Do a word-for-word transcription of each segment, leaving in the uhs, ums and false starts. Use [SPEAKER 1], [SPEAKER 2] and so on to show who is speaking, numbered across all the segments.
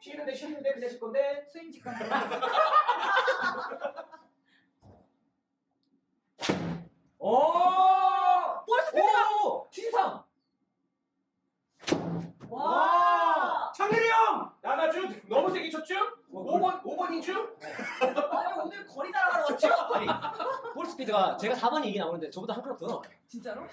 [SPEAKER 1] 쉬는데 쉬는데 그냥 쉴 건데.
[SPEAKER 2] 스윙 직관.
[SPEAKER 1] 오!
[SPEAKER 2] 볼 스피드가.
[SPEAKER 1] 오! 칠십삼!
[SPEAKER 2] 와.
[SPEAKER 1] 창렬이 형! 나가주 너무 세게 쳤죠?
[SPEAKER 3] 뭐,
[SPEAKER 1] 오 번, 오 번인 줄?
[SPEAKER 2] 아니 오늘 거리 자랑하러 왔죠?
[SPEAKER 3] 아니 볼 스피드가 제가 사 번이 이게 나오는데 저보다 한 클럽 더 나와요.
[SPEAKER 2] 진짜로?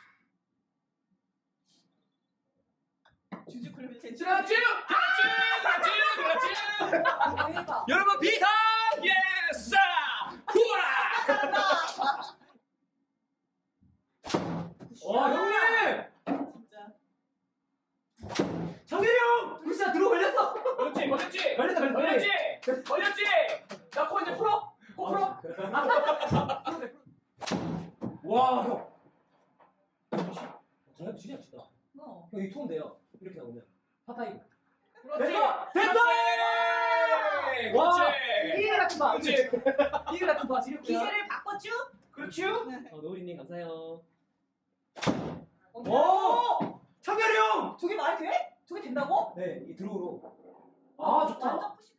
[SPEAKER 2] 주주 클럽의 제
[SPEAKER 1] 그렇지! 그렇지! 그렇지! 그렇지!
[SPEAKER 2] 대박.
[SPEAKER 3] 여러분 비상!
[SPEAKER 1] 예스! 후아! 와 형님!
[SPEAKER 2] 진짜.
[SPEAKER 3] 창렬이 형! 불사 들어 걸렸어.
[SPEAKER 1] 걸렸지? 걸렸지?
[SPEAKER 3] 걸렸어 걸렸어.
[SPEAKER 1] 걸렸지? 걸렸지? 나 코 이제 풀어? 코 풀어?
[SPEAKER 3] 와 형. 장난도 진짜 진다.
[SPEAKER 2] 어.
[SPEAKER 3] 형이 톤 돼요. 이렇게 나오면 파파이브.
[SPEAKER 1] 그렇지!
[SPEAKER 3] 됐어! 됐어!
[SPEAKER 1] 그렇지!
[SPEAKER 3] 와!
[SPEAKER 1] 그렇지!
[SPEAKER 3] 이글 같은 바.
[SPEAKER 1] 그렇지!
[SPEAKER 3] 이글 같은 바 지렸고요.
[SPEAKER 2] 기세를 바꿨죠?
[SPEAKER 1] 그렇지!
[SPEAKER 3] 어, 노우리님 감사해요.
[SPEAKER 2] 오!
[SPEAKER 3] 오! 창렬이 형!
[SPEAKER 2] 저게 말이 돼? 저게 된다고?
[SPEAKER 3] 네, 이 드로우로. 아 좋다.
[SPEAKER 2] 완전 푸시.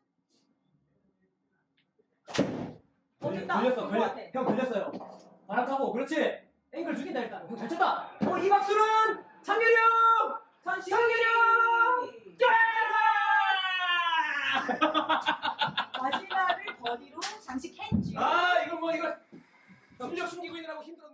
[SPEAKER 2] 어,
[SPEAKER 3] 걸려,
[SPEAKER 2] 됐다.
[SPEAKER 3] 걸렸어,
[SPEAKER 2] 된것
[SPEAKER 3] 걸려.
[SPEAKER 2] 같아.
[SPEAKER 3] 형 걸렸어요. 바람 타고, 그렇지. 앵글 죽인다 일단. 형 잘 쳤다. 어, 이 박수는 창렬이 형.
[SPEAKER 2] 선시.
[SPEAKER 3] 창렬이 형.
[SPEAKER 2] 마지막을 버디로 장식했지.
[SPEAKER 1] 아 이거 뭐 이거 숨겨 숨기고 있느라고 힘들어.